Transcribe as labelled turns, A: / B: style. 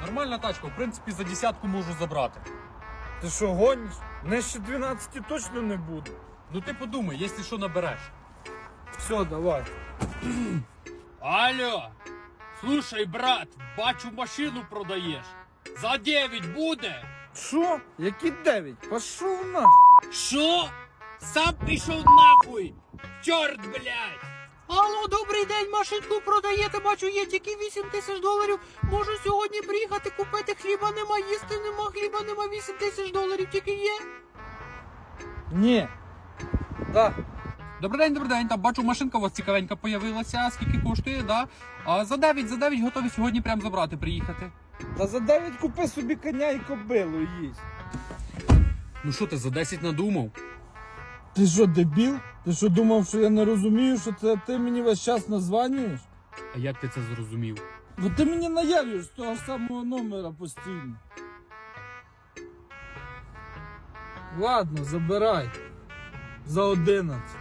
A: Нормальна тачка, в принципі, за десятку можу забрати.
B: Ти що, гониш? Нижче 12 точно не буде.
A: Ну ти подумай, якщо що набереш.
B: Все, давай.
C: Алло, слушай, брат, бачу машину продаєш. За 9 буде?
B: Що? Які 9? Пошов нахуй.
C: Що? Сам пішов нахуй! Чорт, блядь!
D: Алло, добрий день, машинку продаєте, бачу, є тільки 8 тисяч доларів. Можу сьогодні приїхати купити, хліба нема, їсти нема, хліба нема, 8 тисяч доларів тільки є.
B: Ні. Так.
A: Добрий день, там бачу, машинка у вас цікавенька появилася, скільки коштує, да? А за 9 готові сьогодні прямо забрати, приїхати.
B: Та за 9 купи собі коня і кобилу їсть.
A: Ну що ти, за 10 надумав?
B: Ти що, дебіл? Ти що думав, що я не розумію, що це ти мені весь час названюєш?
A: А як ти це зрозумів?
B: Бо ти мені наявиш з того ж самого номера постійно. Ладно, забирай. За 11.